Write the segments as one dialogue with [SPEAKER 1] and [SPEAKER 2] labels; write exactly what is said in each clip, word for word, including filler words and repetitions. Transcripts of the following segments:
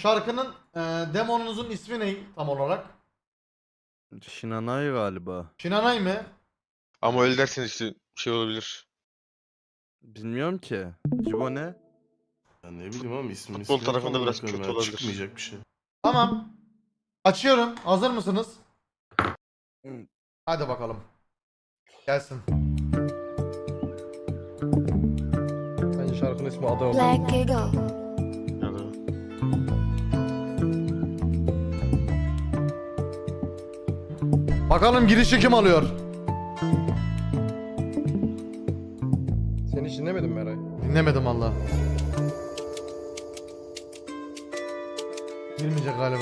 [SPEAKER 1] şarkının e, demonunuzun ismi ne tam olarak?
[SPEAKER 2] Shinanay galiba.
[SPEAKER 1] Shinanay mı?
[SPEAKER 3] Ama öyle derseniz işte şey olabilir.
[SPEAKER 2] Bilmiyorum ki. Cibo ne?
[SPEAKER 4] Ya ne bileyim ama ismini
[SPEAKER 3] Futbol
[SPEAKER 4] ismini
[SPEAKER 3] tarafında
[SPEAKER 4] falan
[SPEAKER 3] biraz
[SPEAKER 4] bakıyorum
[SPEAKER 3] kötü
[SPEAKER 4] ya,
[SPEAKER 3] olabilir.
[SPEAKER 4] Çıkmayacak bir şey.
[SPEAKER 1] Tamam. Açıyorum. Hazır mısınız?
[SPEAKER 2] Hı.
[SPEAKER 1] Hadi bakalım. Gelsin.
[SPEAKER 5] Bence şarkının ismi Ada oldu.
[SPEAKER 6] Black Eagle.
[SPEAKER 3] Ya da
[SPEAKER 1] Bakalım girişi kim alıyor?
[SPEAKER 5] Sen hiç dinlemedin mi Eray?
[SPEAKER 1] Dinlemedim valla. Girmeyecek galiba.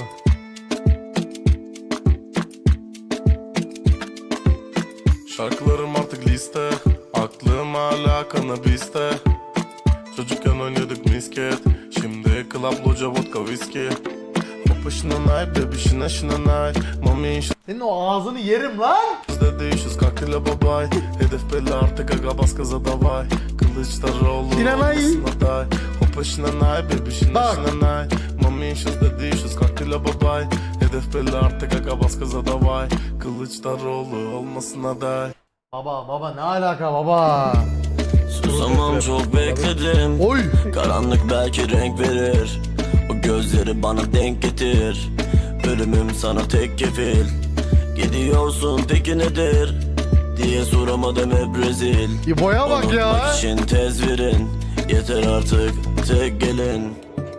[SPEAKER 4] Şarkılarım artık liste, aklım hala kanabiste. Çocukken oynadık misket, şimdi club, loca, vodka, viski. Hoppa şınanay, baby şına şınanay. Mami
[SPEAKER 1] Senin o ağzını yerim lan.
[SPEAKER 4] şızda değişiz, kaktile babay. Hedef belli artık, aga bas gaza davay. Kılıçdaroğlu
[SPEAKER 1] Şınanay.
[SPEAKER 4] olmasın aday. Hoppa şınanay, baby şına
[SPEAKER 1] Bak.
[SPEAKER 4] şınanay. Mami şızda değişiz, kaktile babay. Hedef belli artık, aga bas gaza davay. Kılıçdaroğlu olmasın aday.
[SPEAKER 1] Baba baba ne alaka baba?
[SPEAKER 7] Susamam çok bekledim.
[SPEAKER 1] Oy.
[SPEAKER 7] Karanlık belki renk verir. O gözleri bana denk getir. Ölümüm sana tek kefil. Gidiyorsun peki nedir diye soramadım hep rezil.
[SPEAKER 1] İbo'ya bak ya.
[SPEAKER 7] Unutmak için tez verin. Yeter artık tek gelin.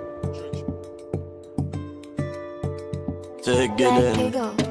[SPEAKER 7] Tek
[SPEAKER 6] Black
[SPEAKER 7] gelin.
[SPEAKER 6] Eagle.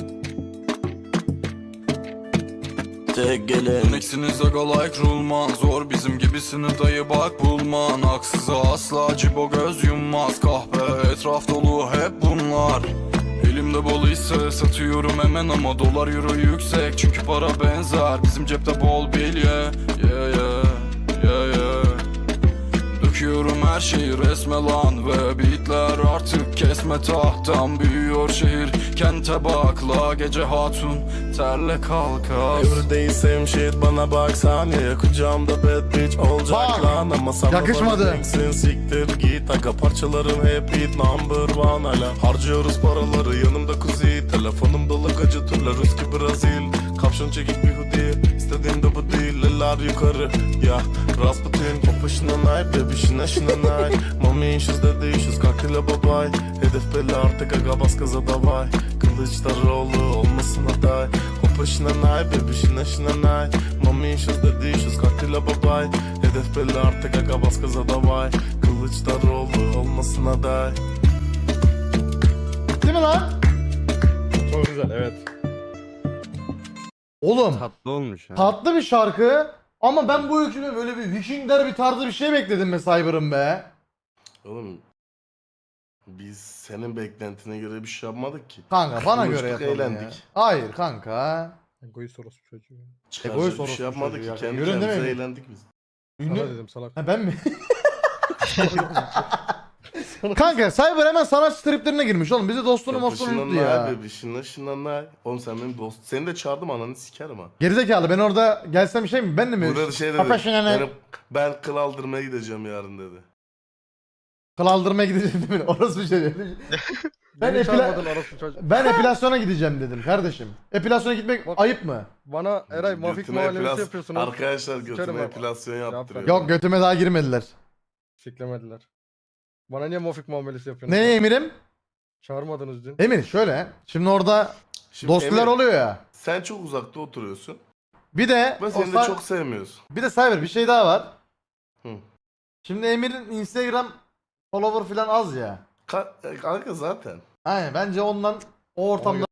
[SPEAKER 7] Tek gelin.
[SPEAKER 8] Örneksiniz aga like rulman. Zor bizim gibisini dayı bak bulman. Haksıza asla cibo göz yummaz. Kahpe etraf dolu hep bunlar. Elimde bol ise satıyorum hemen ama dolar euro yüksek. Çünkü para benzer bizim cepte bol bilye. Yeah yeah yeah yeah. Döküyorum her şeyi resme lan. Ve beatler artık kesme tahttan. Büyüyor şehir kente bakla. Gece hatun terle kalkas.
[SPEAKER 4] Everyday same shit, bana bak saniye. Kucağımda bad bitch olacak
[SPEAKER 1] Bak.
[SPEAKER 4] lan. Ama sana
[SPEAKER 1] Yakışmadı.
[SPEAKER 4] bakacaksın, siktir git. Aga parçalarım hep hit number one hala. Harcıyoruz paraları yanımda kuzi. Telefonum dolu gacı turlar Ruski Brazil. Kapşon çekik bir hoodie, istediğimde bu değil. Eller yukarı ya Rasputin. Hoppa şınanay baby şına şınanay. Mami şızda değişiz kaktile babay. Hedef belli artık aga bas gaza davay. Kılıçdaroğlu olmasın aday. Hoppa şınanay baby şına şınanay. Mami şızda değişiz kaktile babay. Hedef belli artık aga bas gaza davay. Kılıçdaroğlu olmasın aday.
[SPEAKER 1] Bitti mi lan?
[SPEAKER 5] Çok güzel, evet.
[SPEAKER 1] Oğlum
[SPEAKER 2] Tatlı olmuş ha.
[SPEAKER 1] tatlı bir şarkı ama ben bu hükümde böyle bir Vikingler bir tarzı bir şey bekledim be Cyber'ım be.
[SPEAKER 4] Oğlum biz senin beklentine göre bir şey yapmadık ki.
[SPEAKER 1] Kanka bana
[SPEAKER 4] Konuştuk,
[SPEAKER 1] göre yapalım ya.
[SPEAKER 4] eğlendik.
[SPEAKER 1] Hayır kanka.
[SPEAKER 5] Egoist orospu çocuğu.
[SPEAKER 4] Çıkaracak
[SPEAKER 1] Egoist
[SPEAKER 4] bir
[SPEAKER 1] orospu
[SPEAKER 4] şey yapmadık
[SPEAKER 1] çocuğu ya.
[SPEAKER 4] ki. Kendi
[SPEAKER 1] Görün değil
[SPEAKER 4] kendimize
[SPEAKER 1] mi?
[SPEAKER 4] eğlendik biz.
[SPEAKER 5] Sana
[SPEAKER 1] Ünlü...
[SPEAKER 5] dedim salak.
[SPEAKER 1] Ha ben mi? Kanka Cyber hemen sanatçı triplerine girmiş oğlum. Bizi dostunu mostunu unuttu ya.
[SPEAKER 4] Be, şına şına Oğlum sen benim dost. Seni de çağırdım ananı sikerim ha.
[SPEAKER 1] Gerizekalı ben orada gelsem şey mi? Ben de mi?
[SPEAKER 4] Burada şey dedi.
[SPEAKER 1] Kapa şuna ne?
[SPEAKER 4] Benim, ben kıl aldırmaya gideceğim yarın dedi.
[SPEAKER 1] Kıl aldırmaya gideceğim değil mi? Orası bir şey dedi. Ben,
[SPEAKER 5] Beni
[SPEAKER 1] epila...
[SPEAKER 5] çağırmadın orospu çocuğu.
[SPEAKER 1] ben epilasyona gideceğim dedim kardeşim. Epilasyona gitmek
[SPEAKER 5] Bak-
[SPEAKER 1] ayıp mı?
[SPEAKER 5] Bana Eray mafik
[SPEAKER 4] Götüme
[SPEAKER 5] muhalefeti
[SPEAKER 4] epilas-
[SPEAKER 5] yapıyorsunuz.
[SPEAKER 4] Arkadaşlar
[SPEAKER 5] Sikerim
[SPEAKER 4] götüme
[SPEAKER 5] ama.
[SPEAKER 4] epilasyon
[SPEAKER 5] Cevap
[SPEAKER 4] yaptırıyor.
[SPEAKER 1] Yok götüme daha girmediler.
[SPEAKER 5] Siklemediler. Bana niye mafik muamelesi yapıyorsunuz?
[SPEAKER 1] Ne Emir'im?
[SPEAKER 5] Çağırmadınız dün.
[SPEAKER 1] Emir şöyle. Şimdi orada
[SPEAKER 4] Şimdi
[SPEAKER 1] dostlar
[SPEAKER 4] Emir,
[SPEAKER 1] oluyor ya.
[SPEAKER 4] sen çok uzakta oturuyorsun.
[SPEAKER 1] Bir de
[SPEAKER 4] Ben
[SPEAKER 1] o
[SPEAKER 4] seni de
[SPEAKER 1] sa-
[SPEAKER 4] çok sevmiyorsun.
[SPEAKER 1] bir de Cyber bir şey daha var.
[SPEAKER 4] Hı.
[SPEAKER 1] Şimdi Emir'in Instagram follower falan az ya.
[SPEAKER 4] Ka- e, kanka zaten.
[SPEAKER 1] Aynen bence ondan o ortamda